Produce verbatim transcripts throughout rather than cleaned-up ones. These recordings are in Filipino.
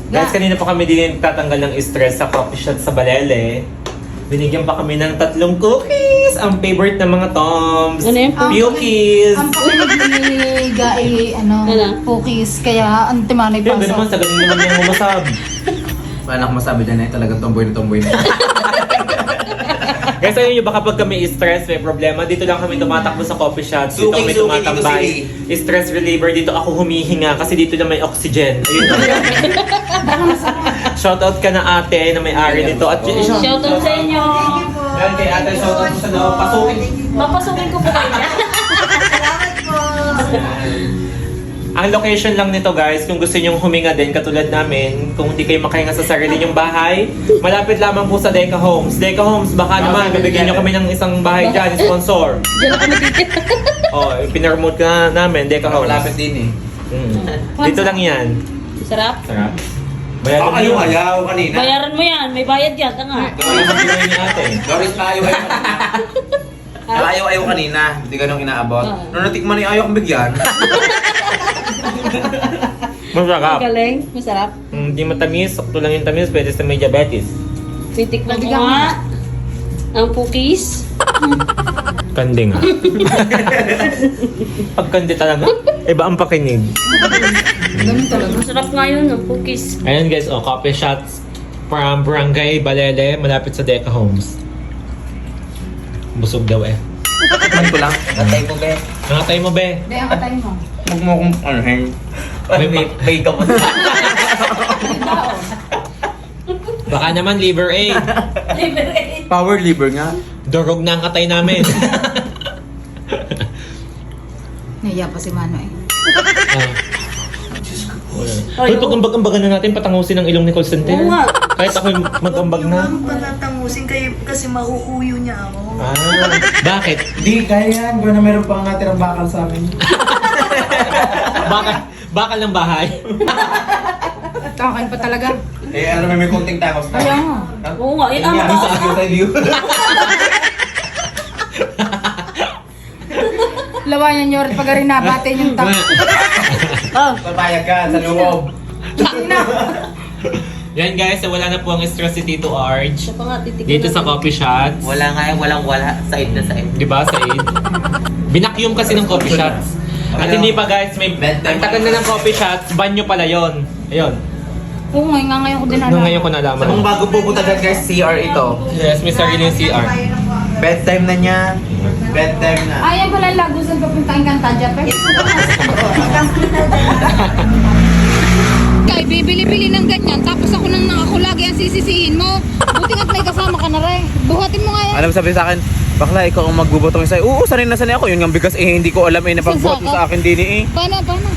Guys, kanina po kami din tatanggal ng stress sa coffee shop sa Balele. Binigyan pa kami ng tatlong cookies! Ang favorite ng mga Toms! Ano yun? Cookies! Ang pakinig ni Gai, ano, Ano? cookies, kaya ang timanay pa Yung naman, sa... sa ganun naman yung umasab. Wala akong masabi dyan eh, talagang tomboy na tomboy na. Guys, ayun yung baka pag kami stress, may problema. Dito lang kami tumatakbo sa coffee shops. Dito Suki, kami suki, tumatambay. dito Stress reliever. Dito ako humihinga kasi dito lang may oxygen. Ayun. Shoutout ka na ate na may-ari nito. At yun, Shoutout sa inyo. Yan kay ate, shoutout ko sa loob. Pasukin. Papasukin ko po kayo. Ang location lang nito guys, kung gusto nyong huminga din katulad namin, kung hindi kayo makahinga sa sarili nyong bahay, malapit lamang po sa Deca Homes. Deca Homes, baka naman, bibigyan nyo kami ng isang bahay dyan, sponsor. Diyan na kami dito. Oh, pinarmote ka na namin, Deca Homes. Malapit din eh. Mm. Dito lang yan. Sarap. Sarap. Oh, Bayaran mo ayaw, yun. ayaw kanina. Bayaran mo yan. May bayad yan. Tanga. Ito yung mga ni ate. Doris pa ayaw, ayaw kanina. Ayaw, ayaw kanina. Hindi ganun inaabot. Ah. Nung natikman niya, ayaw kong bigyan. Masarap. Galing. Masarap. Mm, Hindi matamis, sakto lang yung tamis, pwede sa may diabetes. Titikman ko Nabigyan mo nga. Ang cookies. Kandi nga. Pag kandi talaga, iba ang pakinig. Ganun talaga. Masarap nga yun. Ang cookies. Ayan guys, oh, coffee shots from Barangay Balele, malapit sa Deca Homes. Busog daw eh. Tikman ko lang. Natay mo, be. Nangatay mo, be. Hindi, ang katay mo. Huwag mo akong ano, hang. May- may- may ka mo. Baka naman liver aid. Liberate. Power liver nga. Durog na ang katay namin. Nahiya pa si Mano eh. Ah. Hoy, pag ambag-ambagan na natin, patangusin ang ilong ni Constantine. Oo nga. Kahit ako mag-ambag na. Huwag patatangusin kayo kasi mahuhuyo niya ako. Ah, bakit? Di, kaya yan. Gano'n meron pang natirang bakal sa amin. Bakal, bakal ng bahay. Takakan pa talaga. Eh, ano may may konting tangos na. Ayaw mo. Oo nga. Yun ang Yan, mataas sa na. sa iyo. Lawayan nyo rin pag rin nabatin yung tap. Oh. Papayag ka sa loob. Yan guys, so wala na po ang stress si Tito Arj. Siya pa nga titikman. Dito sa coffee shots. Wala nga eh, walang wala. Side na side. Di ba, Said? Binakyum kasi ng coffee shots. At hindi pa guys, may ang tagal na ng coffee shots, banyo pala yon. Ayun. Oo, ngayon nga ngayon ko din Nung alam. ngayon ko nalaman. Kung bago pupunta dyan guys, C R ito. Yes, may sarili yung C R. Bedtime na niya. Bedtime na. Ayan pala ang lagusan papuntahin kang Tadya, pe. Kay, bibili-bili ng ganyan, tapos ako nang ako lagi ang sisisihin mo. Buti nga't may kasama ka na rin. Buhatin mo nga yan. Alam sabi sa akin, bakla ikaw ang magbubutong sa'yo. Oo, sanay na sanay ako. Yun nga bigas eh, hindi ko alam eh, napagbuhat mo sa akin din eh. Paano, paano?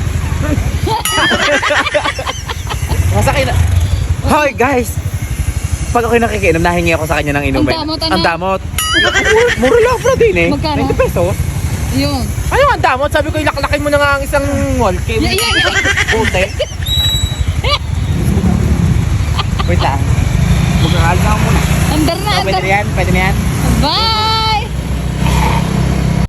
Masakit na. Hoy guys! Pag ako'y nakikiinom, nahingi ako sa kanya ng inumin. Ang damot, ano? Ang damot. Mura lang bro din eh. Magkano? twenty pesos. Yun. Ano ang damot? Sabi ko, ilaklakin mo na nga ang isang wall cake. Yeah, yeah, yeah. Puti. Wait lang. Magkakal na ako muna. Andar na, Oh, pwede andar. na yan? Pwede na yan? Bye!